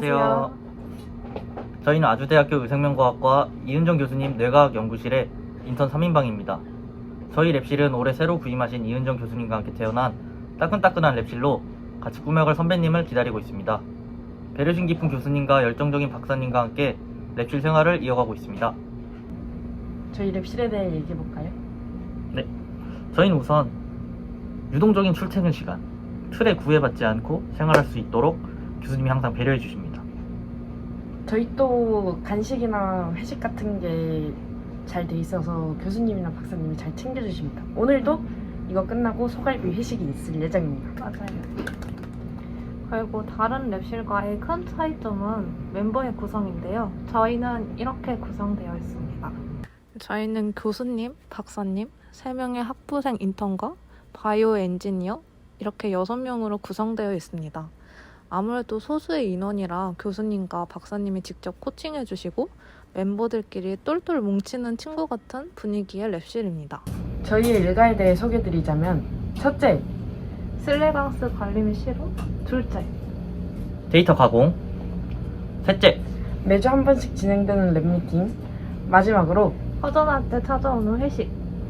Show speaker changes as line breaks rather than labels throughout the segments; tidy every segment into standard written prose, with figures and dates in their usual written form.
안녕하세요. 저희는 아주대학교 의생명과학과 이은정 교수님 뇌과학 연구실의 인턴 3인방입니다. 저희 랩실은 올해 새로 부임하신 이은정 교수님과 함께 태어난 따끈따끈한 랩실로 같이 꾸며갈 선배님을 기다리고 있습니다. 배려심 깊은 교수님과 열정적인 박사님과 함께 랩실 생활을 이어가고 있습니다.
저희 랩실에 대해 얘기해볼까요?
네, 저희는 우선 유동적인 출퇴근 시간, 틀에 구애받지 않고 생활할 수 있도록 교수님이 항상 배려해 주십니다.
저희 또 간식이나 회식 같은 게 잘 돼 있어서 교수님이나 박사님이 잘 챙겨주십니다. 오늘도 이거 끝나고 소갈비 회식이 있을 예정입니다.
맞아요. 그리고 다른 랩실과의 큰 차이점은 멤버의 구성인데요. 저희는 이렇게 구성되어 있습니다. 저희는 교수님, 박사님, 3명의 학부생 인턴과 바이오 엔지니어 이렇게 6명으로 구성되어 있습니다. 아무래도 소수의 인원이라 교수님과 박사님이 직접 코칭해 주시고 멤버들끼리 똘똘 뭉치는 친구 같은 분위기의 랩실입니다.
저희의 일과에 대해 소개드리자면 첫째,
슬래방스 관리 및 실험, 둘째,
데이터 가공, 셋째,
매주 한 번씩 진행되는 랩미팅, 마지막으로
허전할 때 찾아오는 회식.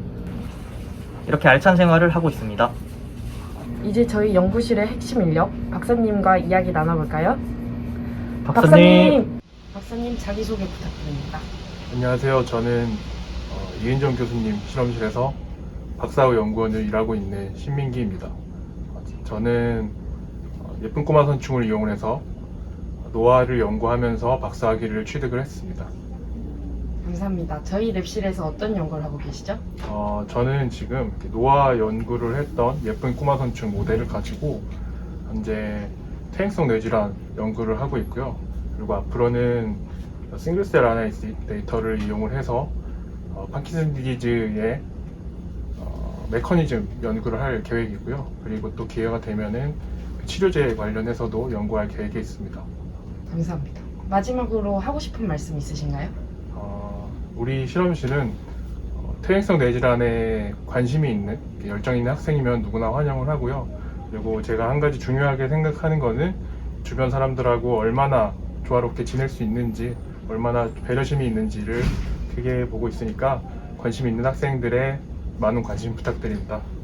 이렇게 알찬 생활을 하고 있습니다.
이제 저희 연구실의 핵심 인력 박사님과 이야기 나눠볼까요?
박사님!
박사님 자기소개 부탁드립니다.
안녕하세요. 저는 이은정 교수님 실험실에서 박사후 연구원을 일하고 있는 신민기입니다. 저는 예쁜 꼬마 선충을 이용해서 노화를 연구하면서 박사학위를 취득을 했습니다.
감사합니다. 저희 랩실에서 어떤 연구를 하고 계시죠?
저는 지금 노화 연구를 했던 예쁜 꼬마 선충 모델을 가지고 현재 퇴행성 뇌질환 연구를 하고 있고요. 그리고 앞으로는 싱글셀 아나리시스 데이터를 이용을 해서 파킨슨 디지즈의 메커니즘 연구를 할 계획이고요. 그리고 또 기회가 되면은 치료제 관련해서도 연구할 계획이 있습니다.
감사합니다. 마지막으로 하고 싶은 말씀 있으신가요?
우리 실험실은 퇴행성 뇌질환에 관심이 있는 열정 있는 학생이면 누구나 환영을 하고요. 그리고 제가 한 가지 중요하게 생각하는 거는 주변 사람들하고 얼마나 조화롭게 지낼 수 있는지, 얼마나 배려심이 있는지를 크게 보고 있으니까 관심 있는 학생들의 많은 관심 부탁드립니다.